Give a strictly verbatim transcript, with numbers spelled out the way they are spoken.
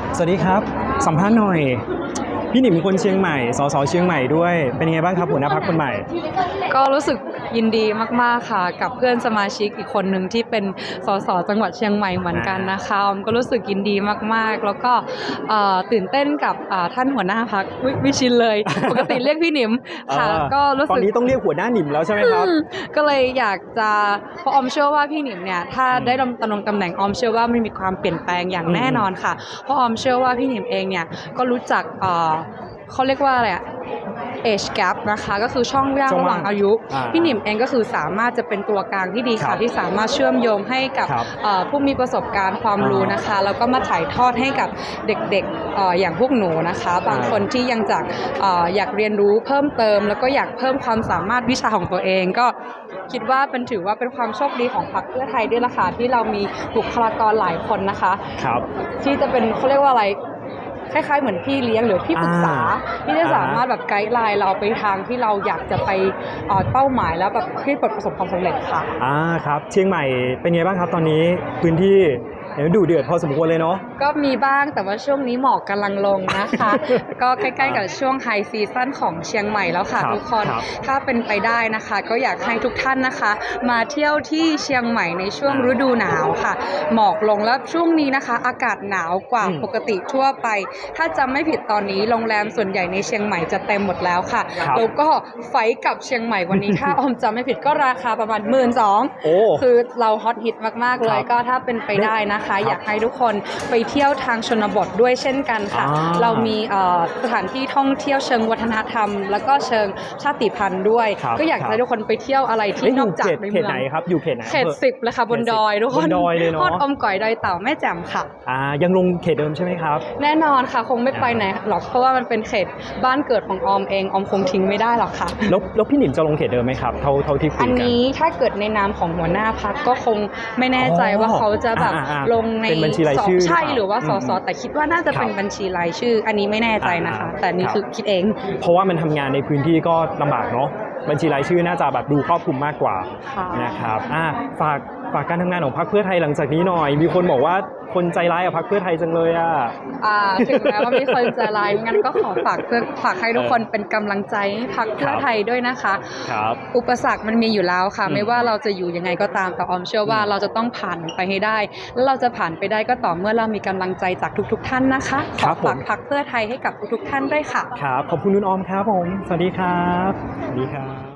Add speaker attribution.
Speaker 1: สวัสดีครับสัมภาษณ์หน่อยพี่หนิมคนเชียงใหม่สสเชียงใหม่ด้วยเป็นยังไงบ้างครับหัวหน้าพรรคคนใหม่
Speaker 2: ก็รู้สึกยินดีมากๆค่ะกับเพื่อนสมาชิกอีกคนหนึ่งที่เป็นสสจังหวัดเชียงใหม่เหมือนกันนะคะออมก็รู้สึกยินดีมากๆแล้วก็ตื่นเต้นกับท่านหัวหน้าพรรควิชินเลยปกติเรียกพี่หนิมค่ะก็รู้สึก
Speaker 1: ตอนนี้ต้องเรียกหัวหน้าหนิมแล้วใช่ไหมครับ
Speaker 2: ก็เลยอยากจะเพราะออมเชื่อว่าพี่หนิมเนี่ยถ้าได้ดำรงตำแหน่งออมเชื่อว่ามันมีความเปลี่ยนแปลงอย่างแน่นอนค่ะเพราะออมเชื่อว่าพี่หนิมเองเนี่ยก็รู้จักเขาเรียกว่าอะไรอะ age gap นะคะก็คือช่องว่างระหว่างอายุพี่หนิมเองก็คือสามารถจะเป็นตัวกลางที่ดีค่ะที่สามารถเชื่อมโยงให้กับผู้มีประสบการณ์ความรู้นะคะแล้วก็มาถ่ายทอดให้กับเด็กๆอย่างพวกหนูนะคะบางคนที่ยังจากอยากเรียนรู้เพิ่มเติมแล้วก็อยากเพิ่มความสามารถวิชาของตัวเองก็คิดว่าเป็นถือว่าเป็นความโชคดีของพรรคเพื่อไทยด้วยล่ะค่ะที่เรามีบุคลากรหลายคนนะคะที่จะเป็นเขาเรียกว่าอะไรคล้ายๆเหมือนพี่เลี้ยงหรือพี่ปรึกษาที่จะสามารถแบบไกด์ไลน์เราไปทางที่เราอยากจะไปเป้าหมายแล้วแบบที่ประสบความสำเร็จค่ะ
Speaker 1: อ่าครับเชียงใหม่เป็นไงบ้างครับตอนนี้พื้นที่ดูเดือดพอสมควรเลยเนาะ
Speaker 2: ก็มีบ้างแต่ว่าช่วงนี้หมอกกำลังลงนะคะก็ใกล้ๆกับช่วงไฮซีซั่นของเชียงใหม่แล้วค่ะทุกคนถ้าเป็นไปได้นะคะก็อยากให้ทุกท่านนะคะมาเที่ยวที่เชียงใหม่ในช่วงฤดูหนาวค่ะหมอกลงแล้วช่วงนี้นะคะอากาศหนาวกว่าปกติทั่วไปถ้าจำไม่ผิดตอนนี้โรงแรมส่วนใหญ่ในเชียงใหม่จะเต็มหมดแล้วค่ะแล้วก็ไฟกับเชียงใหม่วันนี้ถ้าออมจำไม่ผิดก็ราคาประมาณหมื่นสองคือเราฮอตฮิตมากๆเลยก็ถ้าเป็นไปได้นะคะอยากให้ทุกคนไปเที่ยวทางชนบทด้วยเช่นกันค่ะเรามีสถานที่ท่องเที่ยวเชิงวัฒนธรรมแล้วก็เชิงชาติพันธุ์ด้วยก็อยากให้ทุกคนไปเที่ยวอะไรที่นอกจากในเมือง
Speaker 1: เขตไหนครับอยู่เขตไหน
Speaker 2: เขตสิบเลยค่ะบนดอยทุกคนทอดอมก๋อยดอยเต่าแม่แจ่มค่ะ
Speaker 1: อ่ายังลงเขตเดิมใช่ไหมครับ
Speaker 2: แน่นอนค่ะคงไม่ไปไหนหรอกเพราะว่ามันเป็นเขตบ้านเกิดของออมเองออมคงทิ้งไม่ได้หรอกค่ะ
Speaker 1: แล้วแล้วพี่หนิมจะลงเขตเดิมไหมครับเท่าเท่าที่คุยกัน
Speaker 2: อันนี้ถ้าเกิดในนามของหัวหน้าพรรคก็คงไม่แน่ใจว่าเขาจะแบบลงใน
Speaker 1: บัญชีรายชื่อ
Speaker 2: ใช่หรือว่าสสแต่คิดว่าน่าจะเป็นบัญชีรายชื่ออันนี้ไม่แน่ใจนะคะแต่นี่คือคิดเอง
Speaker 1: เพราะว่ามันทำงานในพื้นที่ก็ลำบากเนาะบัญชีรายชื่อน่าจะแบบดูครอบคลุมมากกว่านะครับอ่าฝากฝากการทำงานของพรรคเพื่อไทยหลังจากนี้หน่อยมีคนบอกว่าคนใจร้ายกับพรรคเพื่อไทยจังเลยอ่ะ
Speaker 2: อ่าถึงแม้ว่ามีคนใจร้ายงั้นก็ขอฝากเพื่อฝากให้ทุกคนเป็นกำลังใจให้พรรคเพื่อไทยด้วยนะคะ
Speaker 1: ครับ
Speaker 2: อุปสรรคมันมีอยู่แล้วค่ะไม่ว่าเราจะอยู่ยังไงก็ตามแต่ออมเชื่อว่าเราจะต้องผ่านไปให้ได้แล้วเราจะผ่านไปได้ก็ต่อเมื่อเรามีกำลังใจจากทุกๆท่านนะคะขอฝากพรรคเพื่อไทยให้กับทุกๆท่านด้วยค่ะ
Speaker 1: ครับขอบคุณนุ่นออมครับผมสวัสดีครับสวัสดีครับ